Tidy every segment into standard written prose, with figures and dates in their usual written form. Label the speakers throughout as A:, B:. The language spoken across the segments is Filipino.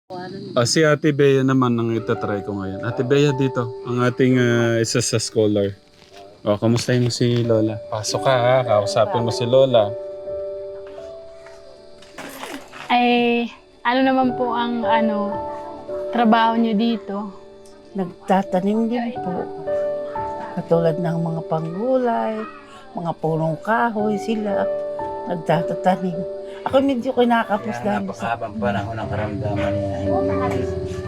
A: Si Ate Bea naman ang itatry ko ngayon. Ate Bea dito, ang ating isa sa scholar. Kamustahin mo si Lola? Pasok ka ha, kausapin mo si Lola.
B: Ay, ano naman po ang trabaho niyo dito?
C: Nagtatanim din po. Katulad ng mga panggulay, mga punong kahoy sila. Nagtatanim. Ako medyo kinakapos
D: Kaya
C: dahil sa...
D: napakahabang panahon ang karamdaman niya. Hindi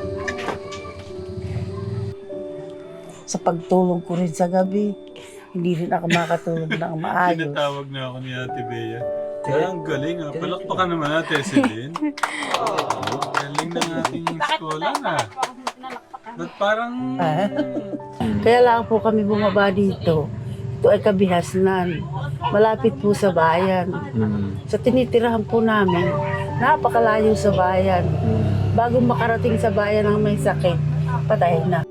C: sa pagtulog ko rin sa gabi. Hindi rin ako makatulog ng maayos.
A: Tinatawag na ako ni Ate Bea. Kaya ang galing ha. Palakpakan naman Ate Celine. Galing ng ating eskola na. Ba't parang...
C: Kaya lang po kami bumaba dito. Ito ay Kabihasnan. Malapit po sa bayan. Sa tinitirahan po namin, napakalayo sa bayan. Bago makarating sa bayan ang may sakit, patay na.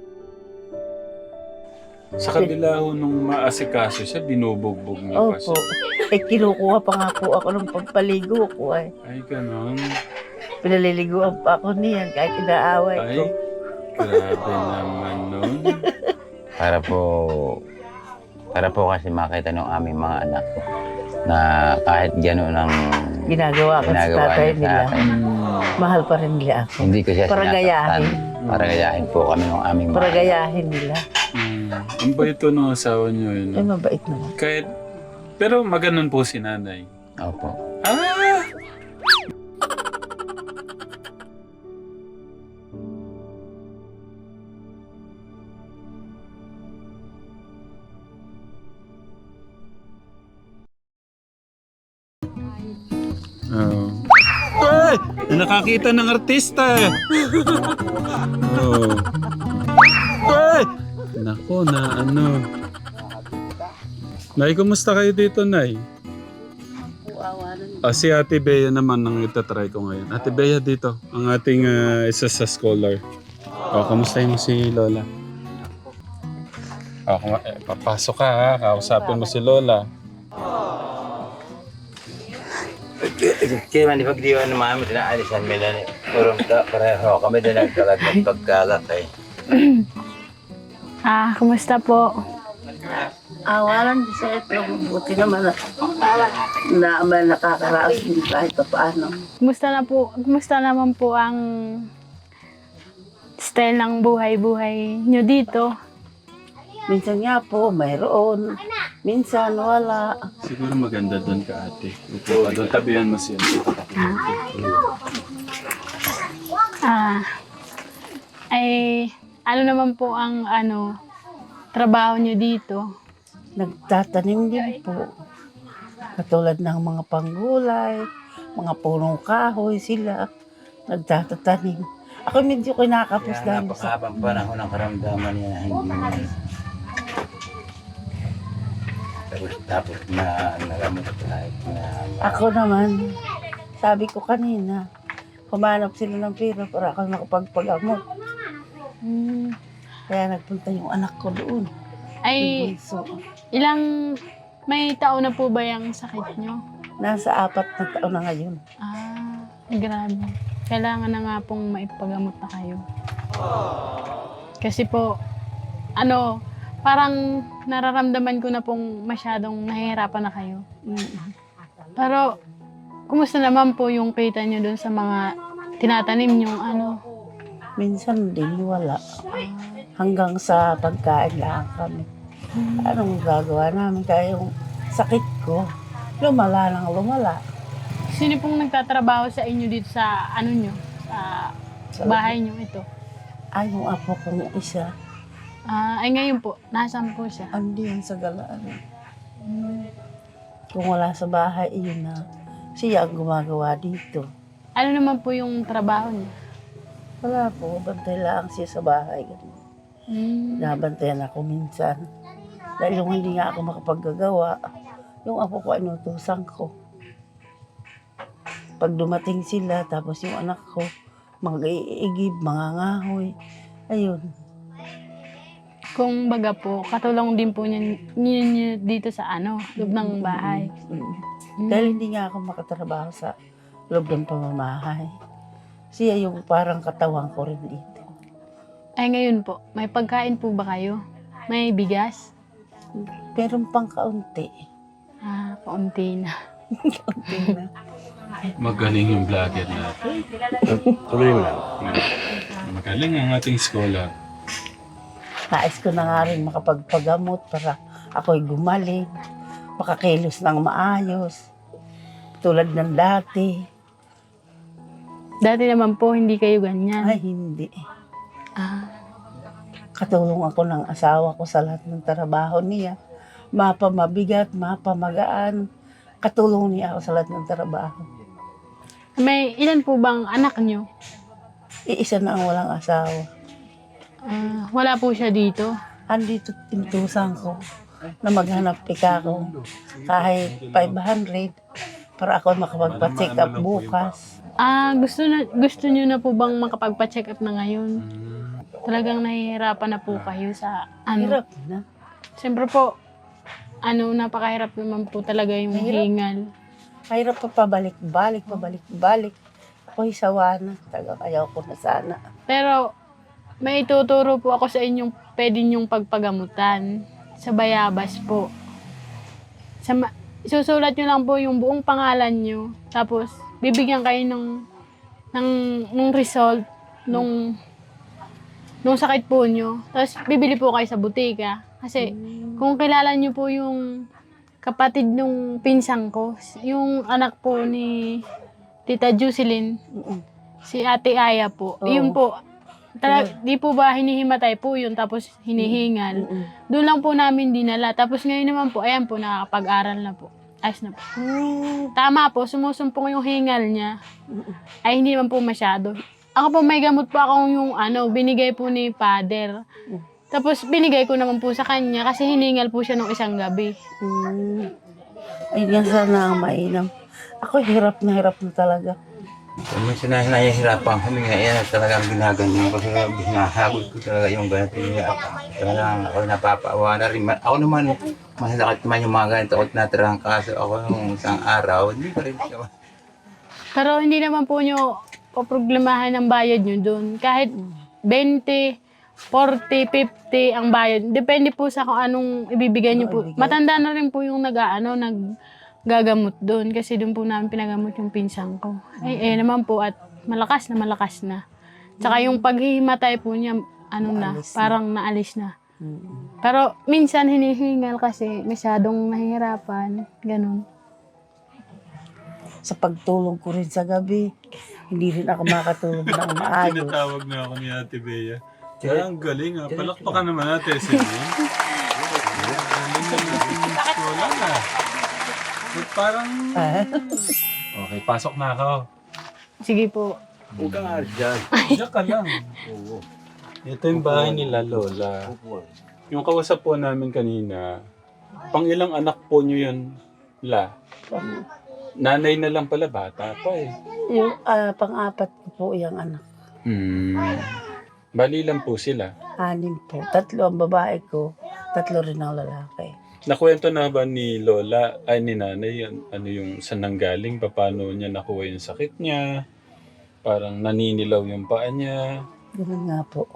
A: Sa kabila ho nung maasikaso siya, binubugbog niya pa
C: Opo.
A: siya.
C: Kinukuha pa nga po ako ng pampaligo ko ay.
A: Ay, ganon.
C: Pinaliliguan pa ako niyan kahit inaaway ko.
A: Ay, grabe naman nun.
D: Para po kasi makita ng aming mga anak ko na kahit gano'n ang
C: Ginagawa ko sa
D: ginagawa
C: tatay
D: niya sa
C: nila.
D: akin,
C: Mahal pa rin nila ako.
D: hindi ko siya
C: Para gayahin.
D: Para gayahin po kami ng aming
C: Para
D: mga anak.
C: gayahin nila.
A: Ang bait to ng asawa niyo yun.
C: Ay, mabait naman.
A: Kahit, pero maganon po si nanay.
D: Opo.
A: Ah! Oh. Ay! Nakakita ng artista eh. Oh. Ay! Nako na ano. Nay, kumusta kayo dito, Nay? Si Ate Bea naman ang itatry ko ngayon. Ate Bea dito, ang ating isa sa scholar. Kamustahin mo si Lola? Papasok ka ha, kausapin mo si Lola.
D: Kaya man ipagdiwan ng mga amin, inaalisan nila ni Purong pareho. Kami din nagkalag ng pagkalat eh.
B: Kumusta po?
C: Awalan sa ito. Buti naman na may nakakaraos din kahit pa paano.
B: Kumusta naman po ang style ng buhay-buhay niyo dito?
C: Minsan nga po, mayroon. Minsan wala.
A: Siguro maganda doon ka, ate. Upo ka doon, tabihan mo siya.
B: Ano naman po ang trabaho niyo dito?
C: Nagtatanim din po. Katulad ng mga panggulay, mga punong kahoy sila. Nagtatanim. Ako medyo kinakapos
D: Kaya
C: dahil sa...
D: napakahabang panahon ang karamdaman niya. Hindi tapos na nagamot kahit na...
C: Ako naman, sabi ko kanina, humanap sila ng pera para ako makapagpagamot. Kaya nagpunta yung anak ko doon.
B: Ay,
C: So,
B: may taon na po ba yung sakit niyo?
C: nasa 4 na taon na ngayon.
B: Grabe. Kailangan na nga pong maipagamot na kayo. Kasi po, parang nararamdaman ko na pong masyadong nahihirapan na kayo. Pero, kumusta naman po yung kita nyo dun sa mga tinatanim yung
C: Minsan din wala. Hanggang sa pagkain lang kami. Anong gagawa namin? Kaya yung sakit ko, lumala nang lumala.
B: Sino pong nagtatrabaho sa inyo dito sa sa bahay nyo ito?
C: Ay, yung apo kong isa,
B: Ay ngayon po, nasaan po siya?
C: andi yan sa galaan. Kung wala sa bahay, yun na. Siya ang gumagawa dito.
B: Ano naman po yung trabaho niya?
C: Wala po, bantay lang siya sa bahay. Nabantayan ako minsan. Dahil yung hindi nga ako makapaggagawa, yung apo ko inutusan ko. Pag dumating sila, tapos yung anak ko, mag-iigib, mangangahoy. Ayun.
B: Kung baga po, katulong din po niya dito sa loob ng bahay.
C: Dahil hindi nga ako makatrabaho sa loob ng pamamahay. Siya yung parang katawan ko rin dito.
B: Ay ngayon po, may pagkain po ba kayo? May bigas?
C: Pero pang kaunti.
B: Kaunti na.
C: Kaunti na.
A: Magaling yung vlogger natin.
D: Tuloy mo lang.
A: Magaling ang ating scholar.
C: Nais ko na nga rin makapagpagamot para ako'y gumaling. Makakilos ng maayos. Tulad ng dati.
B: Dati naman po, hindi kayo ganyan.
C: Ay, hindi.
B: Ah,
C: Katulong ako ng asawa ko sa lahat ng trabaho niya. Mapa mabigat, mapa magaan. Katulong niya ako sa lahat ng trabaho.
B: may ilan po bang anak nyo?
C: Iisa na ang walang asawa.
B: Wala po siya dito.
C: Andito tintusan ko na maghanap pika ko kahit 500 para ako makapagpa-check up bukas.
B: Gusto nyo na po bang makapagpa-check up na ngayon? Talagang nahihirapan na po kayo sa
C: Hirap na.
B: Siyempre po, napakahirap naman po talaga yung
C: Mahirap.
B: hingal.
C: Mahirap pa pabalik-balik. Ako'y sawa na. Ayaw ko na sana.
B: Pero may ituturo po ako sa inyong pwede nyong pagpagamutan sa Bayabas po. Susulat nyo lang po yung buong pangalan nyo. Tapos, bibigyan kayo ng result nung sakit po nyo. Tapos, bibili po kayo sa butika. Kasi, kung kilala nyo po yung kapatid nung pinsang ko, yung anak po ni Tita Jocelyn, si Ate Aya po.
C: Oo.
B: Yun po, di po ba hinihimatay po yun, tapos hinihingal. Doon lang po namin dinala. Tapos ngayon naman po, ayan po, nakakapag-aral na po. Ayos na po. Tama po, sumusumpong yung hingal niya. Ay, hindi naman po masyado. Ako po, may gamot po akong yung binigay po ni Father. Tapos binigay ko naman po sa kanya kasi hiningal po siya nung isang gabi.
C: Ay, yan sana ang mainam. Ako hirap na talaga.
D: Kung may sinahihirapan kami ngayon, talagang ginaganyan ko. Hinahabol ko talaga yung ganito. Talagang ako napapaawa na rin. Ako naman, masakit naman yung mga ganito. Ako tinatirang kaso ako nung isang araw. Hindi ko rin siya.
B: Pero hindi naman po nyo poproblemahan ang bayad nyo doon. Kahit 20, 40, 50 ang bayad. Depende po sa kung anong ibibigay nyo po. Matanda na rin po yung naggagamot doon. Kasi doon po namin pinagamot yung pinsang ko. Naman po at malakas na. Tsaka yung paghihimatay po niya, parang naalis na. Pero minsan hinihingal kasi masyadong nahihirapan. Ganun.
C: Sa pagtulog ko rin sa gabi, hindi rin ako makatulog ng maayos.
A: Tinatawag na ako ni Ate Bea. Ang galing ha. Palakpakan naman natin si Lynn. Galing naman yung scholar na. Parang... Okay, pasok na ako.
B: Sige po.
D: Huwag kang alis dyan.
A: Diyan ka lang. Ito yung bahay nila, Lola. Yung kausap po namin kanina, pang ilang anak po nyo yun, La? Nanay na lang pala, bata pa eh.
C: Yung pang-apat ko po yung anak.
A: Bali lang po sila.
C: 6 po. 3 ang babae ko, 3 rin ang lalaki.
A: Nakwento na ba ni Lola, ay ni Nanay, yung saan nanggaling, paano niya nakuha yung sakit niya, parang naninilaw yung paa niya.
C: Ganun nga po.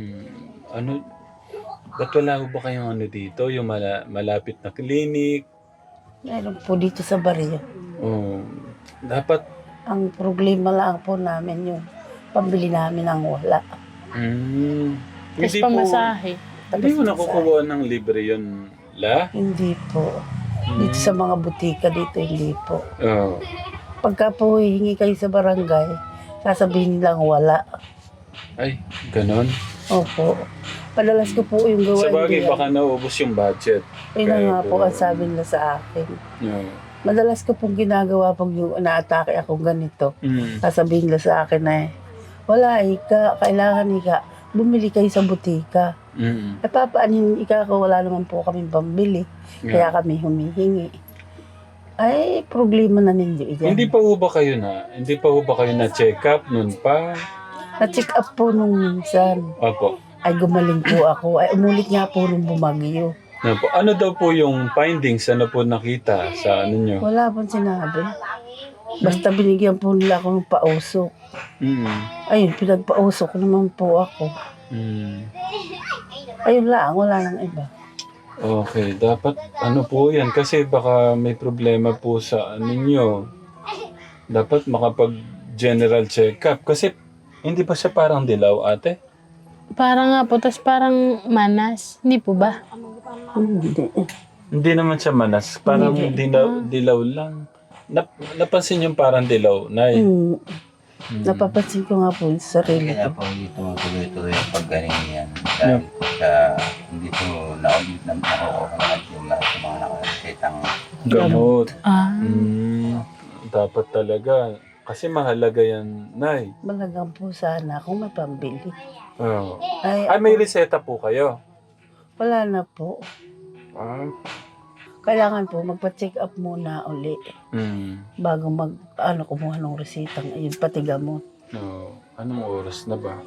A: Ba't wala ba kayong dito, yung malapit na klinik?
C: Meron po dito sa baryo.
A: Dapat,
C: Ang problema lang po namin yung pambili namin ng wala.
B: Tapos pamasahe.
A: Hindi mo nakukuha ng libre yun, La?
C: Hindi po. Dito sa mga butika dito, hindi po.
A: Oo.
C: Pagka po hihingi kayo sa barangay, sasabihin nilang wala.
A: Ay, ganon.
C: Opo. Padalas ko po yung gawain
A: Sa bagay,
C: nila.
A: baka naubos yung budget.
C: Yun na
A: Kaya
C: nga po ang sabi nila sa akin.
A: Oo.
C: Madalas ko pong ginagawa pag yung na-atake akong ganito. Sasabihin nila sa akin na wala, kailangan bumili kayo sa butika. Papaanin ko, wala naman po kaming pambili. Kaya kami humihingi. Ay, problema na ninyo iyan.
A: Hindi pa ho ba kayo na-check up nun pa?
C: Na-check up po nung minsan.
A: Opo.
C: Ay, gumaling po ako. Ay, umulit nga po nung bumagyo.
A: Ano daw po yung findings? Ano po nakita sa nyo?
C: Wala pong sinabi. Basta binigyan po nila ako ng pausok. Ayun, pinagpausok naman po ako. Ayun lang, wala nang iba.
A: Okay, dapat ano po yan kasi baka may problema po sa ninyo. Dapat makapag-general check-up kasi hindi ba siya parang dilaw, ate?
B: Parang nga po, tas parang manas. Hindi po ba?
C: Hindi.
A: Hindi naman siya manas, parang dilaw lang. Napansin yung parang dilaw, Nay.
C: Napapansin ko nga po yung sarili
D: Kaya
C: ko.
D: po hindi tumutuloy-tuloy yung paggaling yan. Dahil po sa hindi po na-audit na nakukuha lahat yung lahat ng mga nakasetang
A: Gamot.
B: Ah.
A: Dapat talaga. Kasi mahalaga yan, Nay.
C: Malagang po sana kung may pambili.
A: Oh.
C: Ay,
A: Ay, may reseta po kayo.
C: wala na po.
A: Ah.
C: Kailangan po magpa-check up muna uli bago kumuha ng resitang ayun, pati gamot.
A: Oh. Anong oras na ba?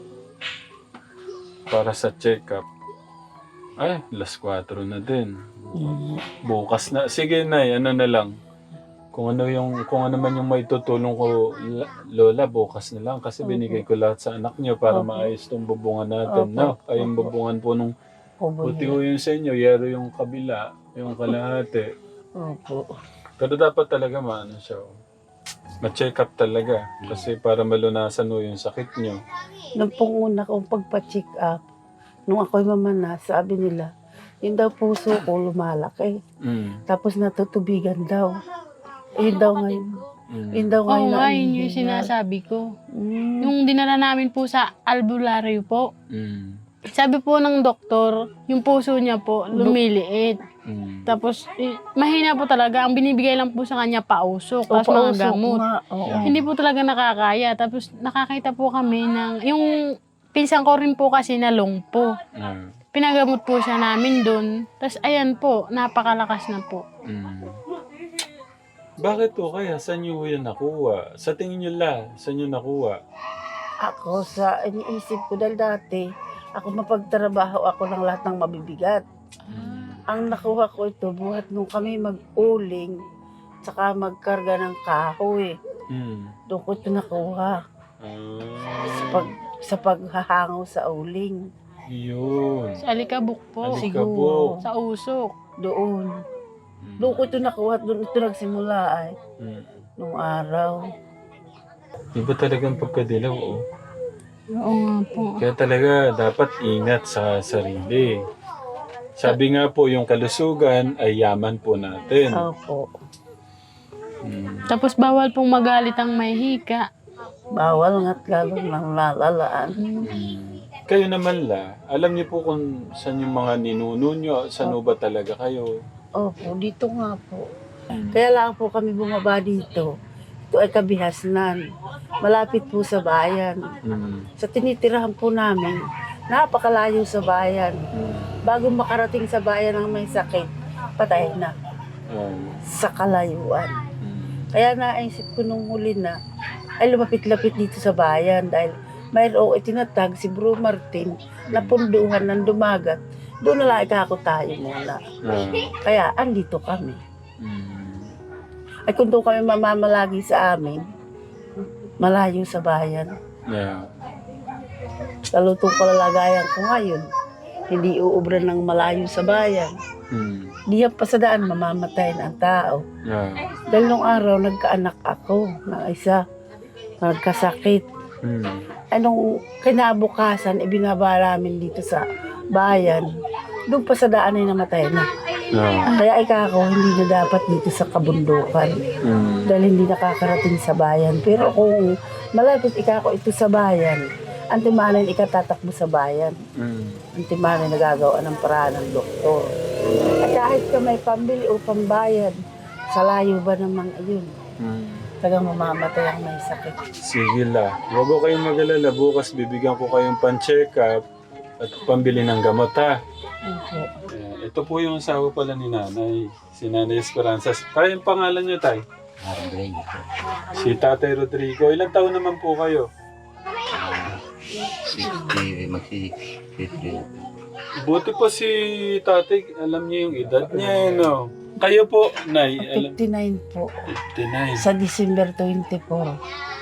A: Para sa check-up. Ay, 4:00 na din. Bukas na. Sige, Nay, ano na lang. Kung ano man yung may tutulong ko, Lola, bukas na lang. Kasi binigay ko lahat sa anak niyo para maayos tong bubungan natin. No? Ay, yung bubungan po nung puti ko yung sa inyo, yero yung kabila, yung kalahati.
C: Opo.
A: Pero dapat talaga maano siya. Ma-check up talaga. Kasi para malunasan mo yung sakit niyo.
C: Nung pong una kong pagpa-check up, nung ako'y mamana, sabi nila, yun daw puso ko lumalaki. Tapos natutubigan daw. Yun daw ngayon. Yun daw
B: Oo
C: ngayon.
B: nga, yun yung sinasabi ko. Yung dinala namin po sa albularyo po. Sabi po ng doktor, yung puso niya po lumiliit. Tapos, mahina po talaga. Ang binibigay lang po sa kanya pausok. Tapos mga gamot. Hindi po talaga nakakaya. Tapos nakakita po kami ng, yung pinsan ko rin po kasi na lungpo. Pinagamot po siya namin doon. Tapos ayan po, napakalakas na po.
A: Bakit po kaya? Saan niyo yan nakuha? Sa tingin niyo saan niyo nakuha?
C: Ako sa iniisip ko dahil dati, ako mapagtrabaho ako ng lahat ng mabibigat. Ang nakuha ko ito, buhat nung kami mag-uling, saka magkarga ng kahoy. Doon ko ito nakuha. Sa paghahangaw sa uling.
A: Yun.
B: Sa Alikabok po.
A: Alikabok.
B: Sa Usok.
C: Doon. Doon ko ito nakuha, doon ito nagsimula ay. Nung araw.
A: Iba talagang pagkadilaw, oh.
B: Oo nga po.
A: Kaya talaga dapat ingat sa sarili. Sabi nga po, yung kalusugan ay yaman po natin.
C: Opo.
B: Tapos bawal pong magalit ang may hika.
C: Bawal nga't lalo ng lalalaan.
A: Kayo naman alam niyo po kung saan yung mga ninuno niyo, saan ba talaga kayo?
C: Opo, dito nga po. Kaya lang po kami bumaba dito. Ito ay Kabihasnan. Malapit po sa bayan. Sa tinitirahan po namin, napakalayo sa bayan. Bago makarating sa bayan ang may sakit, patay na. Sa kalayuan. Kaya naisip ko nung huli na, ay lumapit-lapit dito sa bayan dahil mayroong itinatag si Bro Martin na punduhan ng dumagat. Doon na lang ikako tayo muna. Kaya andito kami. Ay kung doon kami mamamalagi sa amin, malayo sa bayan. Lalo itong kalalagayan ko ngayon, hindi uubra ng malayo sa bayan. Di yan pa sa daan, mamamatayin ang tao. Dahil nung araw, nagkaanak ako ng isa, nagkasakit. Anong kinabukasan, ibinaba namin dito sa bayan, doon pa sa daan ay namatay na. Kaya ikako, hindi na dapat dito sa kabundukan. Dahil hindi nakakarating sa bayan. Pero kung malapit ikako ito sa bayan, antimanan ikatatakbo sa bayan. Antimanan nagagawa ng paraan ng doktor. At kahit ka may pambili o pambayad, sa layo ba naman ayun? Tagang mamamatay ang may sakit.
A: Sige Huwag ko kayong mag-alala. Bukas bibigyan ko kayong pan-check up at pambili ng gamot, ha? Ito po yung asawa pala ni Nanay. Si Nanay Esperanza. Tayo yung pangalan niyo, Tay? Si Tatay Rodrigo. Ilang taon naman po kayo?
D: 60, magsi-60.
A: Buti po si Tatay, alam niya yung edad niya, no? Kayo po, Nay,
C: 59 po.
A: 59.
C: Sa December 24.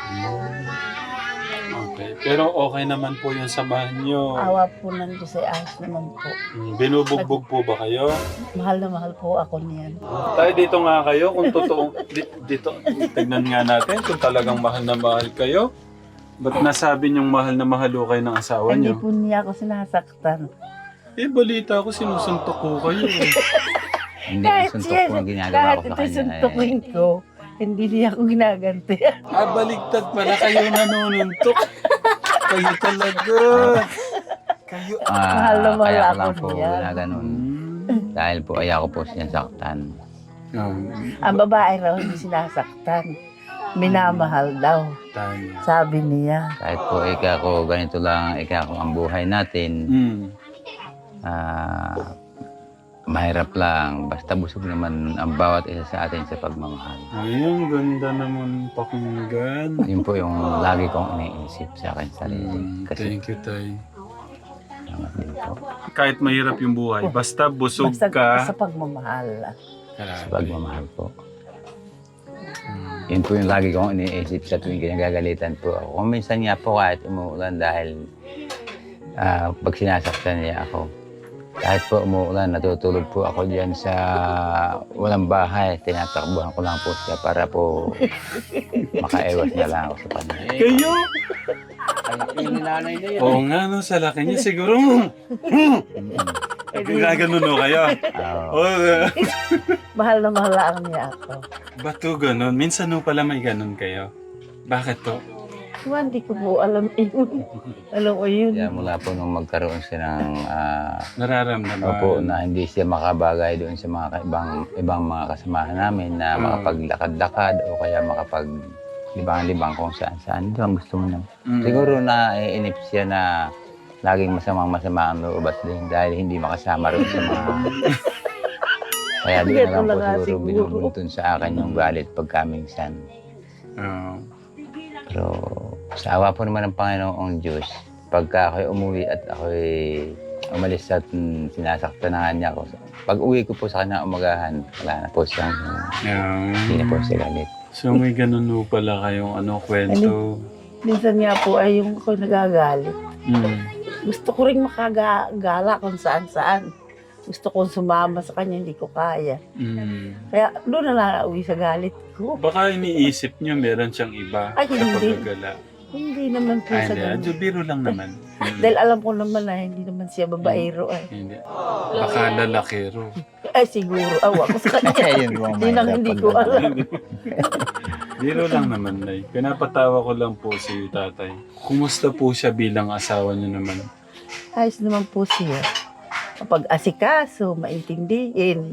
A: Okay. Pero okay naman po yung samahan nyo.
C: Awa po ng Diyos ay ayos naman po.
A: Binubugbog po ba kayo?
C: Mahal na mahal po ako niyan.
A: Tayo dito nga kayo kung totoo. Dito, tignan nga natin kung talagang mahal na mahal kayo. Ba't nasabi niyong mahal na mahal ho kayo ng asawa
C: Hindi
A: niyo?
C: po niya ako sinasaktan.
A: Balita ko sinusuntok ko kayo.
D: Hindi, ang suntok ko ang ginagawa
C: kahit
D: ko sa
C: ito
D: kanya.
C: suntukin ko, hindi niya ako ginaganti.
A: Baligtad pala kayo nanununtok. Kayo talaga. Kayo.
C: Mahal na mahal
D: Kaya ko
C: ako
D: lang po
C: niyan.
D: na ganun. Dahil po ayaw ko po sinasaktan.
C: Ang babae raw hindi sinasaktan. Minamahal daw,
A: Tanya.
C: sabi niya.
D: Kahit po ko ganito lang ko ang buhay natin. Mahirap lang. Basta busog naman ang bawat isa sa atin sa pagmamahal.
A: Ayun, ganda naman pakinggan.
D: Yun po yung lagi kong iniisip sa akin sarili. Kasi
A: Thank you, Tay.
D: salamat din po
A: Kahit mahirap yung buhay, basta busog
C: Basta
A: ka.
C: sa pagmamahal.
D: sa pagmamahal po. Yun po yung lagi kong iniisip sa tuwing kinagagalitan po ako. Kung minsan nga po kahit umuulan dahil pag sinasaktan niya ako. Kahit po umuulan, natutulog po ako dyan sa walang bahay. Tinatakbuhan ko lang po siya para po makaiwas na lang ako sa kanya.
A: Kayo?
D: Yung nanay na yun.
A: Oo nga, no, sa laki niya siguro. Gaganon no kayo.
C: Mahal na mahal lang niya ako.
A: Ba't to ganon? Minsan no pala may ganon kayo. Bakit to?
C: Hindi ko po alam yun. Alam ko yun.
D: Kaya mula po nung magkaroon siya ng
A: Nararamdaman.
D: opo, na hindi siya makabagay doon sa mga ibang mga kasamahan namin na makapaglakad-lakad o kaya makapaglibang-libang kung saan-saan. Ito ang gusto mo naman. Siguro na iinip siya na laging masamang-masama ang loob at dahil hindi makasama rin sa mga... Kaya doon na lang po siguro binubuntun sa akin yung galit pagkaminsan. Pero sa awa po naman ng Panginoong Diyos, pagka ako'y umuwi at ako'y umalis at sinasaktan na niya ako. Pag uwi ko po sa kanya umagahan, wala na po siyang, hindi na po siya galit.
A: So may ganon no pala kayong kwento.
C: Minsan nga po ay yung ako nagagalit. Gusto ko rin makagala kung saan-saan. Gusto kong sumama sa kanya, hindi ko kaya. Kaya doon na lang uwi sa galit ko.
A: Baka iniisip niyo meron siyang iba
C: Ay,
A: sa
C: hindi.
A: paggagala.
C: Hindi naman po
A: Ay,
C: sa
A: hindi.
C: ganun.
A: Biro lang naman.
C: Dahil alam ko naman na hindi naman siya babaero ay.
A: Hindi. Baka lalakero.
C: Ay siguro, awa ko sa kanya.
D: Yun po ang
C: Hindi nang
D: mahirap
C: hindi ko
D: pag-
C: alam.
A: Biro lang naman, Nay. Pinapatawa ko lang po si tatay. Kumusta po siya bilang asawa niyo naman?
C: Ayos naman po siya. Kapag asikaso, maintindihin.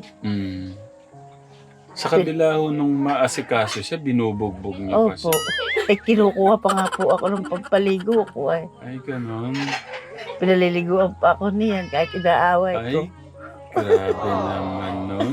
A: Sa kabila ho nung maasikaso siya, binubugbog niyo pa
C: Opo.
A: siya.
C: Kinukuha pa nga po ako ng pampaligo ko ay.
A: Ay, ganon.
C: Pinaliliguan pa ako niyan kahit inaaway ko.
A: Ay, grabe naman nun.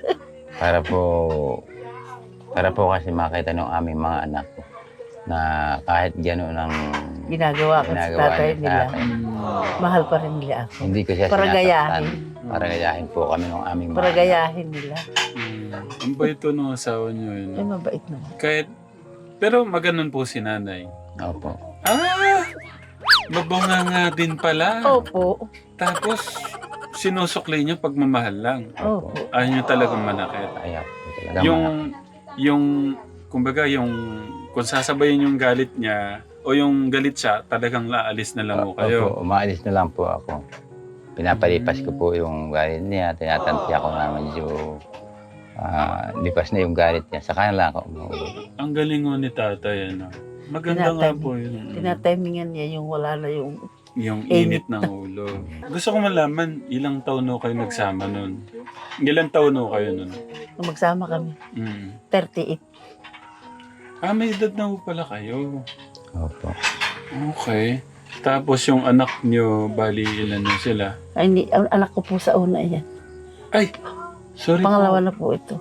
D: Para po kasi makita ng aming mga anak ko na kahit gano'n ang
C: Ginagawa ko sa
D: ginagawa
C: tatay
D: niya sa
C: nila.
D: akin,
C: Mahal pa rin nila ako.
D: hindi ko siya
C: Para
D: sinasaktan.
C: gayahin.
D: Para gayahin po kami ng aming
C: Para
D: mga anak.
C: gayahin nila.
A: Ang bait to ng asawa niyo.
C: Ay,
A: Yun.
C: mabait naman.
A: Kahit, pero maganon po si nanay.
D: Opo.
A: Mabanga nga din pala.
C: Opo.
A: Tapos, sinusukli niyo pagmamahal lang.
C: Opo.
A: Ayaw niyo talagang manakit.
D: Ayaw po talaga.
A: Kumbaga kung sasabayin yung galit niya, o yung galit siya, talagang laalis na lang mo kayo.
D: Opo, umaalis na lang po ako. Pinapalipas ko po yung galit niya. Tinatanti ako na medyo lipas na yung galit niya. Saka na lang ako umuwi.
A: Ang galing mo ni tatay, ano. Maganda nga po yun.
C: Tinatimingan niya yung wala na yung...
A: Yung init ng ulo. Gusto ko malaman, ilang taon no kayo nagsama nun? Ilang taon no kayo nun?
C: Nung magsama kami. 38.
A: May edad na po pala kayo.
D: Opo.
A: Okay. Tapos yung anak nyo, bali ilan na sila?
C: Ay, ang anak ko po sa una yan.
A: Ay! Sorry
C: Pangalawa
A: po.
C: na po ito.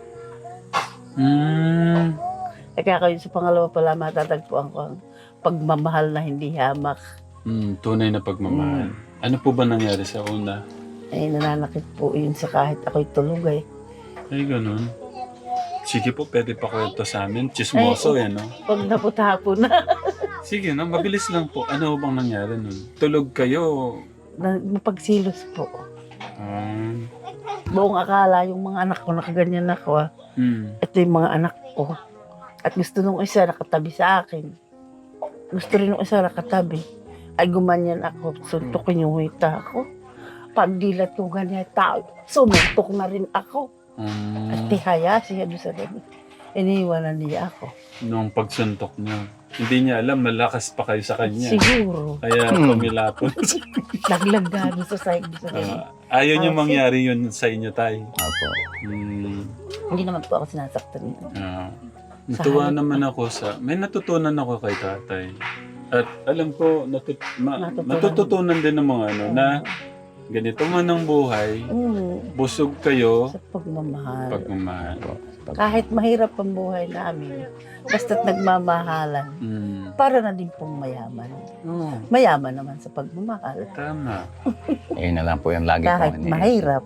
C: Kaya kayo sa pangalawa pala matatagpuan ko ang pagmamahal na hindi hamak.
A: Tunay na pagmamahal. Ano po ba nangyari sa una?
C: Ay nananakit po yun sa kahit ako'y tulog ay.
A: Ay, ganun. Sige po, pwede pa kwento sa amin. Chismoso yan, no?
C: Pag naputapo na,
A: Sige, no? Mabilis lang po. Ano bang nangyari nun? Tulog kayo?
C: napagsilos po.
A: Ah,
C: Buong akala yung mga anak ko, nakaganyan ako. Ito yung mga anak ko. At gusto nung isa nakatabi sa akin. Gusto rin nung isa nakatabi. Ay gumanyan ako, suntukin yung hita ako. Pagdilat ko ganyan tao, sumuntok na rin ako. At tihaya siya doon sa gabi. Iniwanan niya ako.
A: Nung pagsuntok niya. Hindi niya alam, malakas pa kayo sa kanya.
C: Siguro,
A: Kaya kumilapon.
C: laglag gano'n sa side sa gabi.
A: Ayaw niyo mangyari yun sa inyo, tay.
D: Opo.
C: Hindi naman po ako sinasaktan niya.
A: Natuwa naman ako sa... May natutunan ako kay tatay. At alam ko, natututunan din ng mga ano, na ganito man ang buhay, busog kayo,
C: Sa pagmamahal.
A: pagmamahal.
C: Kahit mahirap ang buhay namin, basta't nagmamahalan, para na din pong mayaman. Mayaman naman sa pagmamahal.
A: Tama.
D: Ayun na lang po yung lagi
C: Kahit
D: kong
C: mahirap.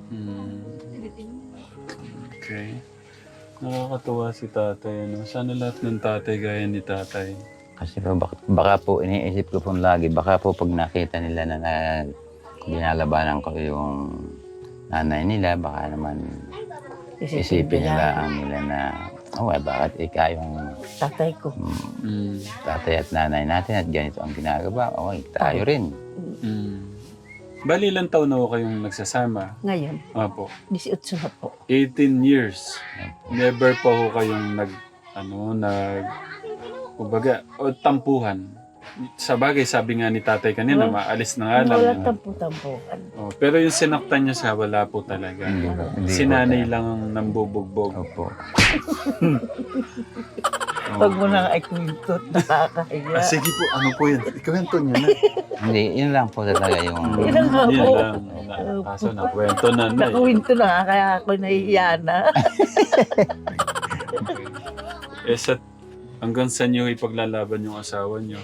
A: Okay. Nakakatuwa si tatay. Ano? Sana lahat ng tatay gaya ni tatay.
D: Kasi po, baka po iniisip ko po lagi, baka po pag nakita nila na binalabanan ko yung nanay nila, baka naman isipin nila na, bakit ikaw yung
C: Tatay ko.
D: tatay at nanay natin at ganito ang ginagawa. Tayo rin.
A: Bali, ilang taon na ako kayong nagsasama?
C: Ngayon,
A: Apo.
C: 18 na po.
A: 18 years. Never pa ho kayong kumbaga, tampuhan. Sa bagay, sabi nga ni tatay kanina, maalis na nga lang.
C: Wala tampu-tampukan.
A: Pero yung sinaktan niya siya, wala po talaga.
D: Hindi
A: Si
D: po
A: nanay
D: talaga.
A: lang ang nambubugbog.
D: Opo.
C: Pag mo nang ikwento, nakakahiya.
A: Sige po, ano po yan? Ikwento niyo na.
D: Hindi, yun lang po talaga yung...
C: Ilang nga
A: Yan
C: po.
A: lang. Kaso nakwento na na.
C: Nakuwento na nga, kaya ako nahihiya na.
A: Hanggang sa niyo ipaglalaban yung asawa niyo?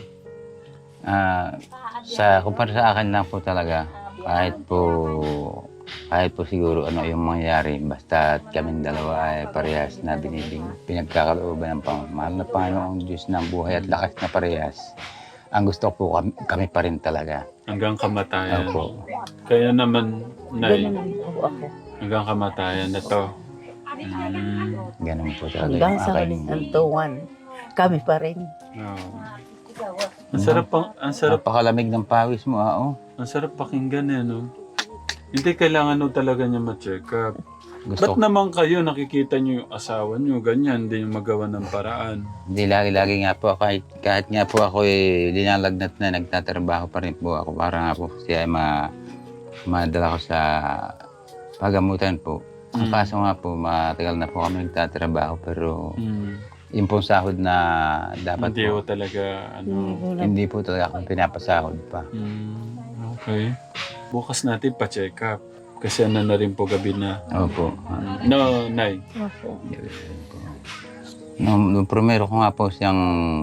D: Kumpara sa akin lang po talaga, kahit po siguro ano yung mangyayari, basta kaming dalawa ay parehas na pinagkakalooban ng mahal na Panginoong Diyos ng buhay at lakas na parehas. Ang gusto ko kami pa rin talaga.
A: Hanggang kamatayan.
D: Opo.
A: Kaya naman, Nay,
C: Ganun po ako.
A: hanggang kamatayan na to.
D: Ganun po talaga
C: Hanggang
D: yung
C: sa
D: aking...
C: huling hantungan, kami pa rin.
A: Ang sarap
D: Napakalamig ng pawis mo,
A: ang sarap pakinggan no? Hindi kailangan talaga niya ma-check up.
D: Gusto
A: Ba't naman kayo nakikita niyo yung asawa niyo, ganyan, hindi yung magawa ng paraan?
D: Hindi, lagi nga po, kahit nga po ako linalagnat na, nagtatrabaho pa rin po ako para nga po siya madala ko sa pagamutan po. Ang kaso nga po, matagal na po kami nagtatrabaho pero yung pong sahod na dapat
A: Hindi
D: po,
A: ko talaga,
D: hindi po talaga akong pinapasahod pa.
A: Okay. Bukas natin pa-check up. Kasi na rin po gabi na.
D: Opo.
A: No, Nay.
C: Opo.
D: Nung primero ko nga po siyang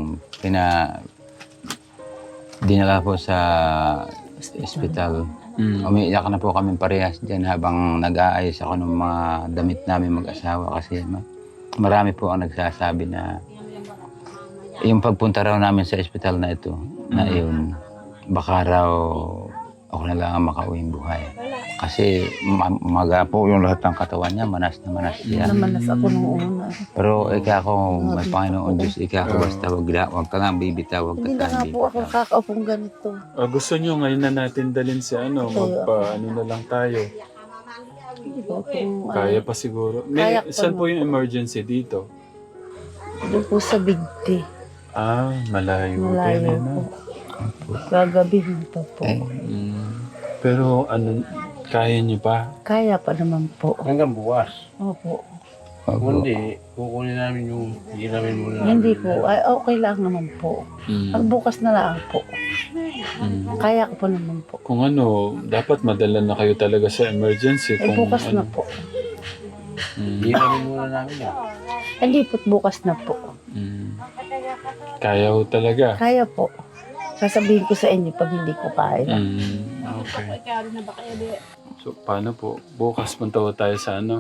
D: dinala po sa ospital. Umiiyak na po kami parehas dyan habang nag-aayos ako ng mga damit namin mag-asawa kasi marami po ang nagsasabi na yung pagpunta raw namin sa ospital na ito, na yun, baka raw ako na lang ang makauwing buhay. Kasi maga po yung lahat ng katawan niya, manas na manas siya.
C: Namanas ako nung una.
D: Pero ikaw ako, may Panginoon Diyos, ikaw ako basta wag ka lang bibitaw, wag
C: Hindi
D: ka
C: na nga
D: lang
C: po ako
D: bibitaw.
C: kakaupong ganito.
A: Gusto niyo ngayon na natin dalhin si magpa-ano na lang tayo. Kaya pa siguro.
C: Kaya pa
A: Saan
C: na.
A: po yung emergency dito?
C: Doon po sa Bigti.
A: Malayo.
C: Malayo
A: din,
C: po. Gagabihin pa po.
A: Pero kaya niyo pa?
C: Kaya pa naman po.
E: Hanggang bukas.
C: Opo.
E: Kung hindi, kukunin namin yung hiramin muna namin.
C: Hindi po. Ay, okay lang naman po. Ang bukas na lang po. Kaya ko pa naman po.
A: Kung dapat madala na kayo talaga sa emergency.
C: Ay, bukas na po.
E: Hiramin muna namin yan.
C: Hindi po, bukas na po.
A: Kaya ho talaga.
C: Kaya po. Sasabihin ko sa inyo pag hindi ko kaya.
A: Okay. So, paano po? Bukas punta ho tayo sa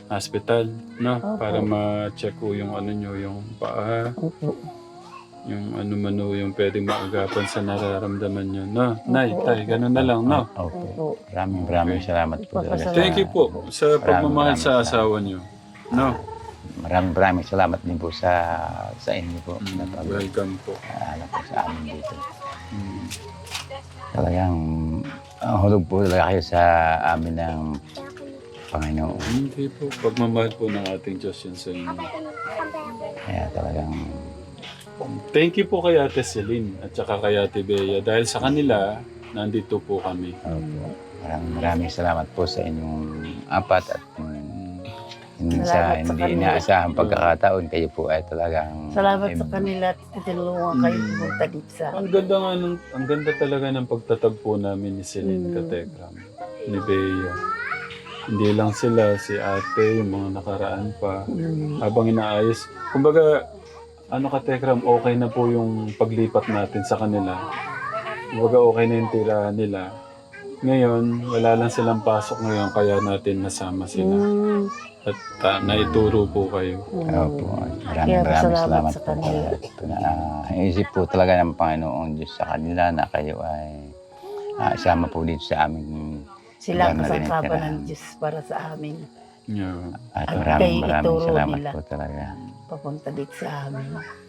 A: hospital, no?
C: Opo.
A: Para ma-check ko yung ano nyo, yung paa,
C: Opo.
A: yung ano man o yung pwedeng maagapan sa nararamdaman nyo, no? Nay, tay, ganun na lang, no?
D: Opo.
C: Opo.
D: Maraming salamat po talaga.
C: Ipapasalamat.
A: Thank you po sa pagmamahal sa
D: maraming
A: asawa nyo, no?
D: Maraming salamat din po sa inyo po. Na
A: Welcome po.
D: ano po sa amin dito.
A: Mm.
D: Talagang hulog po talaga kayo sa amin ng Panginoon.
A: Hindi po. Pagmamahal po ng ating Diyos yun sa inyo.
D: Kaya talagang
A: Thank you po kay Ate Celine at saka kay Ate Bea. Dahil sa kanila, nandito po kami.
D: maraming salamat po sa inyong apat at hindi
C: Salamat sa
D: hindi
C: kanila.
D: inaasahang pagkakataon kayo po ay talagang
C: Salamat sa kanila at tinulungan kayo pumunta dito sa
A: Ang ganda nga ang ganda talaga ng pagtatagpo namin ni Celine Katekram, ni Bea. Hindi lang sila, si ate, yung mga nakaraan pa. Habang inaayos. Kumbaga, ano Katekram, okay na po yung paglipat natin sa kanila. Kumbaga, okay na yung tirahan nila. Ngayon, wala lang silang pasok ngayon, kaya natin nasama sila. At naituro po kayo.
D: Opo,
C: Kaya
D: maraming salamat
C: sa
D: po.
C: kanila.
D: Iisip po talaga ng Panginoong Diyos sa kanila na kayo ay isama po dito sa aming
C: Sila ang
D: lugar na
C: kasangkapan
D: tinitirahan.
C: ng Diyos para sa amin.
A: Yeah.
D: At
C: At
D: maraming
C: kayo ituro
D: salamat
C: nila.
D: po talaga.
C: Papunta dito sa amin.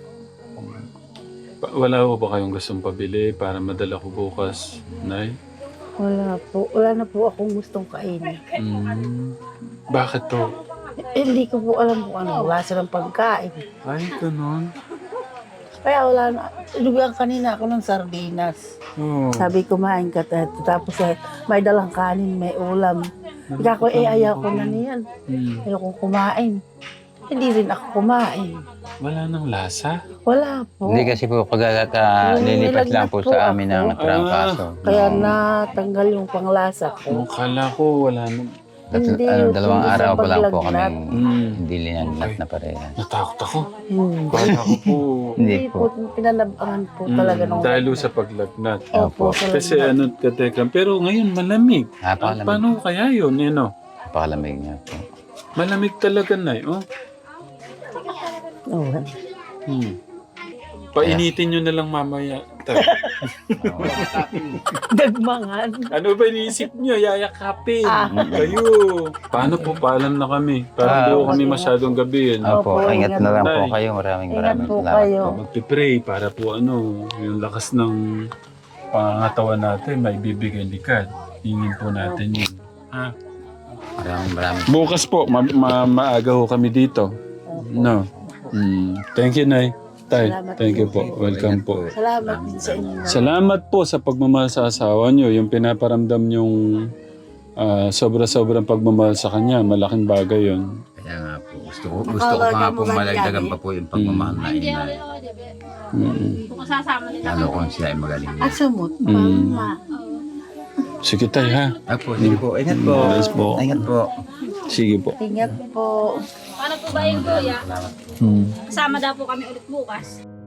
A: Wala po ba kayong gustong pabili para madala ko bukas, Nay?
C: Wala po. Wala na po akong gustong kainin.
A: Bakit to?
C: Hindi ko po alam kung ano. Wala silang pagkain.
A: Ay, ganun.
C: Kaya wala na. Inubihan kanina ako ng sardinas.
A: Oh.
C: Sabi kumain ka. Tapos may dalang kanin, may ulam. Ika ko, ayaw ko na niyan. Ayaw kong kumain. Hindi rin ako kumain.
A: Wala nang lasa?
C: Wala po.
D: Hindi kasi po lilipat lang po
C: Nilagnat
D: sa
C: po
D: amin
C: ako.
D: ng trangkaso.
C: Kaya natanggal yung panglasa
A: Nung
C: ko.
A: kala ko, wala nang...
C: Hindi, yung
D: Dalawang
C: hindi
D: araw
C: sa
D: pa lang po
C: paglagnat.
D: kami hindi linagnat na parehas.
A: Natakot ako.
C: Hmm.
A: Kala ko po...
D: Hindi
C: Hindi
D: po.
C: po, pinanabangan po talaga nung...
A: Dahil sa paglagnat.
C: Opo, sa
A: Kasi
C: lagnat.
A: ano, Katekram. Pero ngayon, malamig.
D: Napakalamig.
A: Paano kaya yun? Ano?
D: Napakalamig niya po.
A: Malamig talaga, Nay. Oh.
C: Oo.
A: Painitin nyo na lang mamaya.
C: Dagmangan.
A: Ano ba iniisip nyo? Yayakapin. Kayo. Paano po? Paalam na kami. Para hindi ko kami masyadong gabihin.
D: Opo,
C: Opo,
D: ingat
C: ingat
D: na lang
A: po.
D: po kayo. Maraming
C: Ingat po
D: salamat.
C: kayo.
A: Magpipray para po ano, yung lakas ng pangangatawan natin, may bibigay likad. Hingin po natin yun. Ha?
D: Maraming
A: Bukas po, maaga ho kami dito. No. Thank you, Nay. Tay,
C: Salamat
A: thank you
C: po.
A: po. Welcome po.
C: Salamat din sa inyo.
A: Salamat po sa pagmamahal sa asawa nyo. Yung pinaparamdam yung sobra-sobrang pagmamahal sa kanya. Malaking bagay yun.
D: Kaya nga po, gusto ko pa nga po malagdagan pa po yung pagmamahal na inay. Lalo kung siya ay magaling.
C: Asumot, mama.
A: Sige, Tay, ha?
D: Apo, sige po. Ingat po.
A: Yes po.
D: Ingat po.
A: Sige po.
C: Ingat po.
F: Paano po ba yung kuya? Kasama daw po kami ulit bukas.